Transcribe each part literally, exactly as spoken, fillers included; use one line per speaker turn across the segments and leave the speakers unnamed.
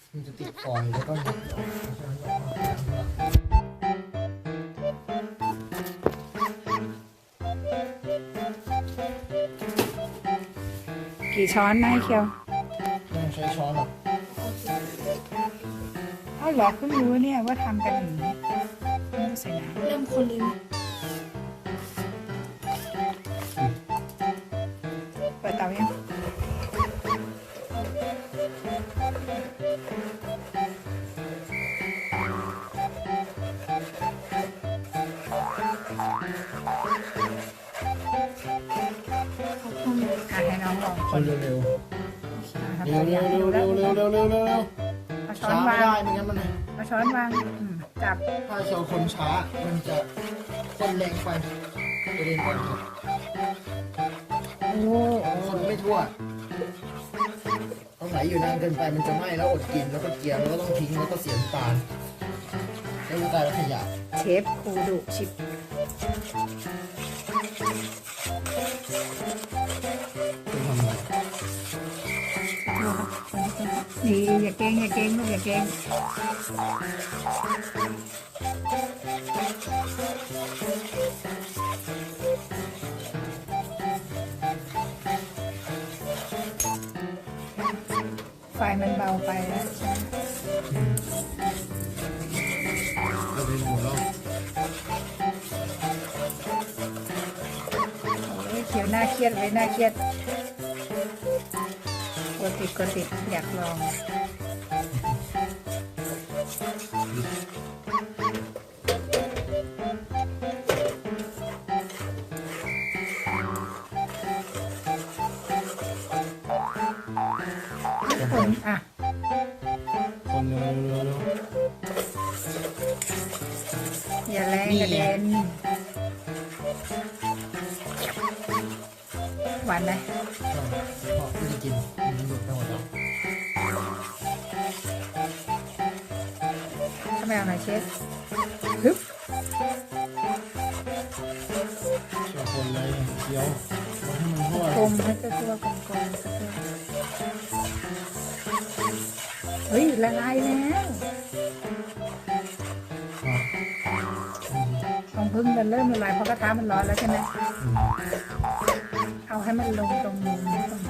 มันจะติดฟอยล์แล้วก็มี
กี่ช้อนนะไอ้เคียว
ไม่ต้องใช้ช้อนหรอก
เอ้าเหรอเพิ่งรู้เนี่ยว่าทำกันอย่างนี้ไม่ต้องใส่น้
เริ่มคนเลย
ำเปิดเตายังอ่ะให้น้องลอง
คนเร็วๆเร็ว
นะครับ
เร็วเร็วเร็วเร็วเร็วเร็วเร็วเร็วเร็ว
เอาช้อ
ช้าน ไม่
วาง
ได้ไม่งั้นมัน
เอาช้อนวางอืมจับ
ถ้าเชียวคนช้ามันจะคนแรงไปจะเรียนก่อนครับ
โอ้
คนไม่ทั่วเอาไหนอยู่นานเกินไปมันจะไหม้แล้วอดกินแล้วก็เกลียแล้วก็ต้องทิ้งแล้วก็เสียน้ำตาลแล้วก็กลายเป็นขยะ
เชฟคูดุชิป
คุณทำอะไร
นี่อย่าเก่งอย่าเก่งลูกอย่าเก่งไฟมันเบาไปแล้วใช่ไหม
ก็เป็นหมดแล้ว
โอ้ยเขียวน่าเครียดไว้น่าเครียดกดติดกดติดอยากลองคนอ่ะ
คนเร็วเร็วเร็ว
อย่าแรงกระเด็นหวานไหม
ก็ไม่ได้กินมันหยุดไปหมดแล้ว
ทำไมเอาหน่อยเชฟฮึบ
เชียวคนเลยเคี้ยวให้มันทั่ว
กลมให้ตัวตัวกลมกลมสักตัวเฮ้ยละลายแล้วของพึ่งมันเริ่มละลายเพราะกระทะมันร้อนแล้วใช่ไหมเอาให้มันลงตรงมุมนี้ตรงไหน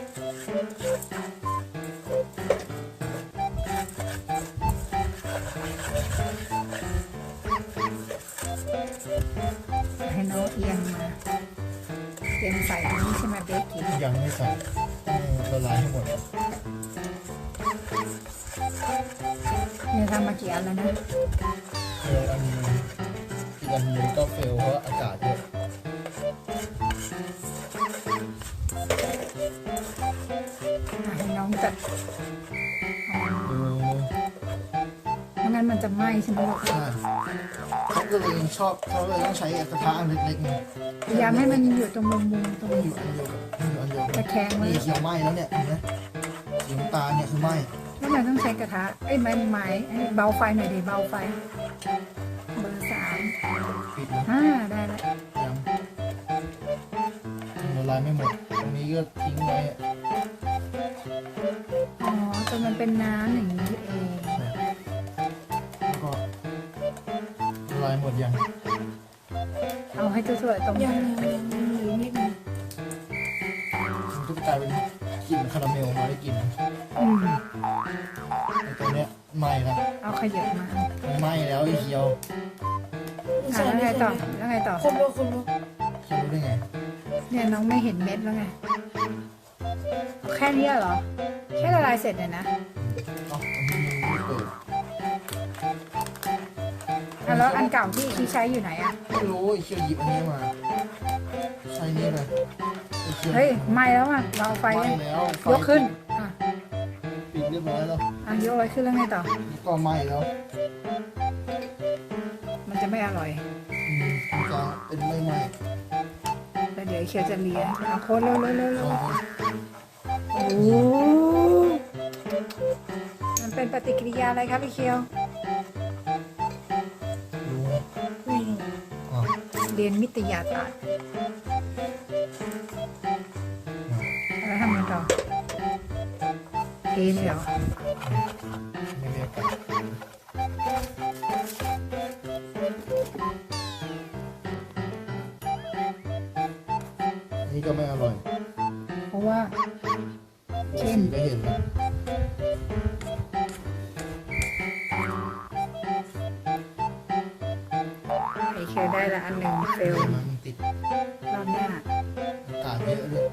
ให้น้องเอียงมาเตรียมใส่อันนี้ใช่ไหมเบกกิ้ง
ยังไม่ใส่ต้องละลายให้หมด
เนี่ยทำมากี่อันแล้วนะ
เฟลอันนึงอีกอันนึงก็เฟลเพราะอากาศเยอะ
อ่ะให้น้องจัด
ดู
ไม่งั้นมันจะไหม้ใช่ไหมลูก
ใช่เขาก็เลยชอบเขาเลยต้องใช้กระทะอันเล็กๆไง
พยายามให้มันอยู่ตรงมุมมุมตรง
อยู่อันเดียวกับอยู่อันเดียวกั
ตะ
บ
แคงไว้
นี่เขียวไหม้แล้วเนี่ยเห็นไหมสีน้ำตาลเนี่ยคือไหม้
แล้วมันต้องใช้กระทะไอ้ยไม้ไม้ไอ้เบาไฟหน่อยดิเบาไฟเบอร์สาม
ปิดนะ
อ่าได้แล้ว
ยังละลายไม่หมดตรงนี้ก็ทิ้งไว้
อ๋อจนมันเป็นน้ำอย่างนี้เอง
แล้วก็ละลายหมดยัง
เอาให้สวยๆตรง
ยั
นี้
งยังยังหรือนิดนึง
มันก็จะกลายเป็นกลิ่นคาราเมลมาได้กลิ่น
อืม
ไอ้ตัวเนี้ยไหม้แล้ว
เอาขยับมา
มันไหม้แล้วไอ้เขียว
อ่าแล้วไงต่อแล้วไงต่อ
คนรู้คนรู้
เขียวรู้ได้ไง
เนี่ยน้องไม่เห็นเม็ดแล้วไงเอาแค่นี้เหรอแค่ละลายเสร็จเนี่ยนะ
อ๋ออันนี้ยังไม่เปิด
อ่ะแล้วอันเก่าที่ที่ใช้อยู่ไหนอ่ะ
ไม่รู้ไอ้เขียวหยิบอันนี้มาใช้นี่ไปไอ้เขียว
เฮ้ยไหม้แล้วอ่ะเราเอาไฟ
ไหม้
ยัง
แล้วไฟ
ยกขึ้นอ่ะ
ปิดเรียบร้อยแล้ว
อ่ะยกไว้ขึ้นแล้วไงต่อ
นี่ก็ไหม้แล้ว
มันจะไม่อร่อย
อืมมันจะเป็นไม่ไหม้
แล้วเดี๋ยวไอ้เคียวจะเลียเอาโค้ดเร็วเร็วเร็ว
ล
เร็ว
องดู
โอ้โหมันเป็นปฏิกิริยาอะไรครับไอ้เคียว
ดู
ไม่รู้
อ่ะ
เรียนมิตรยาศาสตร์แล้วทำไงต่อเทเลยเหรอ
เทไม่มีอากาศอันนี้ก็ไม่อร่อย
เพราะว่าเข้ม
สีก็เห็นนะ
ไอเคยได้ละอันหนึ่งเฟล
เห็นไหมมันติด
รอบหน้า
อากาศเยอะเลย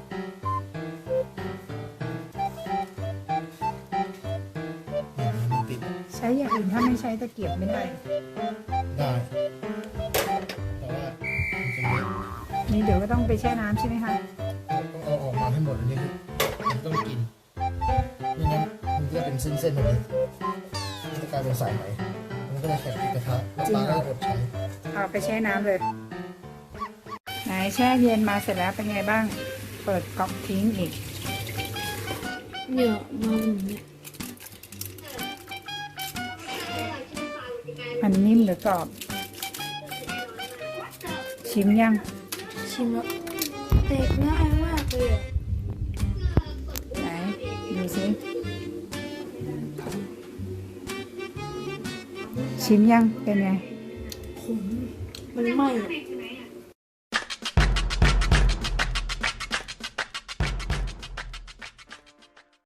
เห็นไหมมันติด
ใช้อย่างอื่นถ้าไม่ใช้ตะเกียบไม่ได้
ได้ แต่ว่ามันจะเยอะ
นี่เดี๋ยวก็ต้องไปแช่น้ำใช่ไหมคะ
ต้องเอาออกมาให้หมดอันนี้คือมันต้องกินไม่งั้นมันจะเป็นเส้นๆแบบนี้มันจะกลายเป็นสายไหมมันก็จะแข็งติดกระทะแล้วปลาก็จะอดใช้
เอาไปแช่น้ำเลย ไหนแช่เย็นมาเสร็จแล้วเป็นไงบ้าง เปิดก๊อกทิ้งอีก
เนี่ยมาหนูเนี่ย
มันนิ่มหรือกรอบ ชิมยัง
ชิมแล้วแตกง่ายมากเลยอะ
ไหน ดูสิชิมยังเป็นไง
ขมมันไหม้อะ